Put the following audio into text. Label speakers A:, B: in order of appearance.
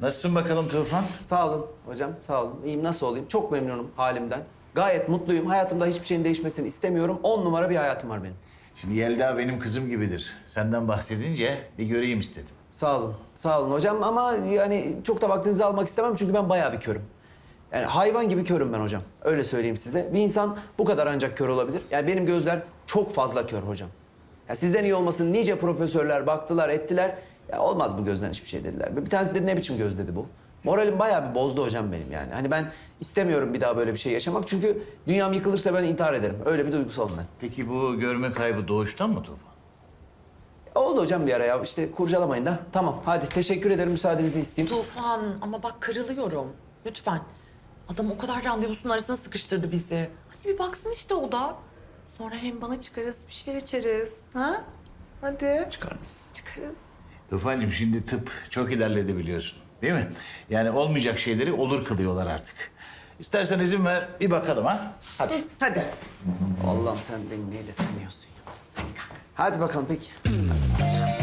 A: Nasılsın bakalım Tufan?
B: Sağ olun hocam, sağ olun. İyiyim, nasıl olayım? Çok memnunum halimden. Gayet mutluyum. Hayatımda hiçbir şeyin değişmesini istemiyorum. 10 numara bir hayatım var benim.
A: Şimdi Yelda benim kızım gibidir. Senden bahsedince bir göreyim istedim.
B: Sağ olun, sağ olun hocam ama yani çok da vaktinizi almak istemem çünkü ben bayağı bir körüm. Yani hayvan gibi körüm ben hocam. Öyle söyleyeyim size. Bir insan bu kadar ancak kör olabilir. Yani benim gözler çok fazla kör hocam. Ya sizden iyi olmasın nice profesörler baktılar, ettiler. Ya olmaz bu gözden hiçbir şey dediler. Bir tanesi dedi ne biçim göz dedi bu. Moralim bayağı bir bozdu hocam benim yani. Hani ben istemiyorum bir daha böyle bir şey yaşamak. Çünkü dünyam yıkılırsa ben intihar ederim. Öyle bir duygusalım ben.
A: Peki bu görme kaybı doğuştan mı Tufan?
B: Oldu hocam bir ara ya. İşte kurcalamayın da. Tamam hadi teşekkür ederim müsaadenizi isteyeyim.
C: Tufan ama bak kırılıyorum. Lütfen. Adam o kadar randevusunun arasına sıkıştırdı bizi. Hadi bir baksın işte o da. Sonra hem bana çıkarız, bir şeyler içeriz. Ha? Hadi.
B: Çıkar mıyız?
C: Çıkarız.
A: Tufancığım şimdi tıp çok ilerledi biliyorsun. Değil mi? Yani olmayacak şeyleri olur kılıyorlar artık. İstersen izin ver bir bakalım ha. Hadi.
C: Hadi.
B: Allah'ım sen beni neyle sınıyorsun ya. Hadi bakalım peki.